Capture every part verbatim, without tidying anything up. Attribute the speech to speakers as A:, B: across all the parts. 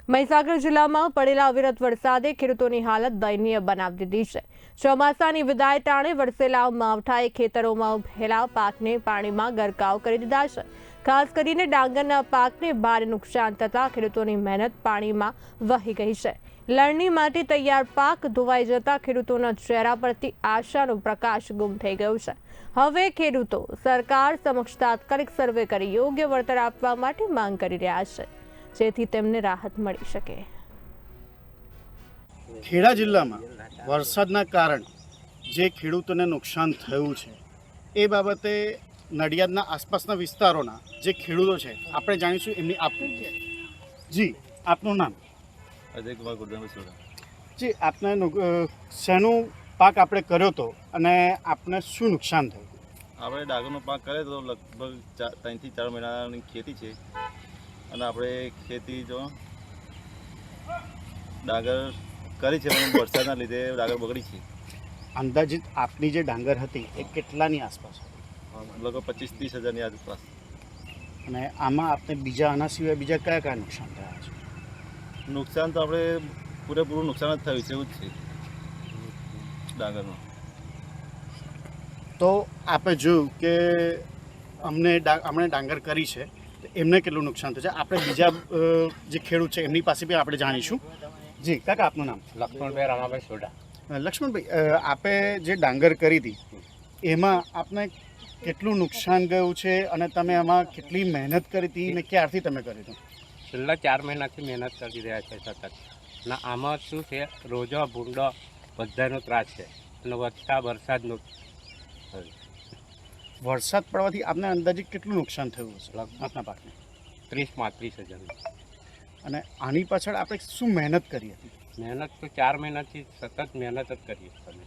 A: મહીસાગર જિલ્લામાં પડેલા અવિરત વરસાદે ખેડૂતોની હાલત દયનીય બનાવી દીધી છે। ચોમાસાની વિદાય ટાણે વરસેલા માવઠાએ ખેતરોમાં ઉભેલા પાકને પાણીમાં ગરકાવ કરી દીધા છે। ખાસ કરીને ડાંગરના પાકને ભારે નુકસાન થતાં ખેડૂતોની મહેનત પાણીમાં વહી ગઈ છે। લણણી માટે તૈયાર પાક ધોવાઈ જતા ખેડૂતોના ચહેરા પરથી આશાનો પ્રકાશ ગુમ થઈ ગયો છે। હવે ખેડૂતો સરકાર સમક્ષ તાત્કાલિક સર્વે કરી યોગ્ય વળતર આપવા માટે માંગ કરી રહ્યા છે, જેથી તેમને રાહત મળી શકે।
B: ખેડા જિલ્લામાં વરસાદના કારણે જે ખેડૂતોને નુકસાન થયું છે એ બાબતે નડિયાદના આસપાસના વિસ્તારોના જે ખેડૂતો છે આપણે જાણીશું એમની આપની જી આપનું નામ?
C: અજય કુમાર ગુરદાભાઈ સોડા।
B: જી આપને શેનું પાક આપણે કર્યો હતો અને આપને શું નુકસાન થયું?
C: આપણે ડાંગરનો પાક કર્યો તો લગભગ ત્રણથી ચાર મહિનાની ખેતી છે અને આપણે ખેતી જો ડાંગર કરી છે પણ વરસાદના લીધે ડાંગર બગડી છે।
B: અંદાજિત આપની જે ડાંગર હતી એ કેટલાની આસપાસ હતી?
C: લગભગ પચીસ ત્રીસ હજારની આસપાસ।
B: અને આમાં આપણે બીજા આના સિવાય બીજા કયા કયા નુકસાન થયા છે?
C: નુકસાન તો આપણે પૂરેપૂરું નુકસાન જ થયું છે એવું જ છે ડાંગરનું।
B: તો આપણે જોયું કે અમને અમને ડાંગર કરી છે, એમને કેટલું નુકસાન થયું છે આપણે બીજા જે ખેડૂત છે એમની પાસે બી આપણે જાણીશું। જી કાકા આપનું નામ?
D: લક્ષ્મણભાઈ રામાભાઈ સોડા।
B: લક્ષ્મણભાઈ, આપે જે ડાંગર કરી હતી એમાં આપને કેટલું નુકસાન ગયું છે અને તમે એમાં કેટલી મહેનત કરી હતી ને ક્યારથી તમે કરી હતું?
D: છેલ્લા ચાર મહિનાથી મહેનત કરી રહ્યા છે સતત। અને આમાં શું છે, રોજો ભૂંડો બધાનો ત્રાસ છે અને વધતા વરસાદનો
B: વરસાદ પડવાથી આપને અંદાજે કેટલું નુકસાન થયું હશે આપના પાકને?
D: ત્રીસ પાંત્રીસ હજાર।
B: અને આની પાછળ આપણે શું મહેનત કરી હતી?
D: મહેનત તો ચાર મહિનાથી સતત મહેનત જ કરીએ છીએ।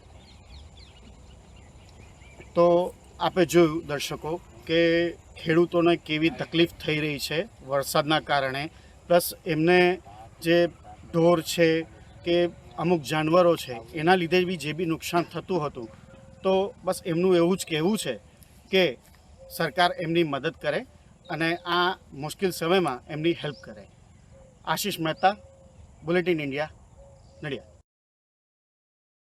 B: તો આપણે જોયું દર્શકો કે ખેડૂતોને કેવી તકલીફ થઈ રહી છે વરસાદના કારણે, પ્લસ એમને જે ઢોર છે કે અમુક જાનવરો છે એના લીધે બી જે બી નુકસાન થતું હતું, તો બસ એમનું એવું જ કહેવું છે કે સરકાર એમની મદદ કરે અને આ મુશ્કેલ સમયમાં એમની હેલ્પ કરે। Ashish Mehta, bulletin India, Nadiad.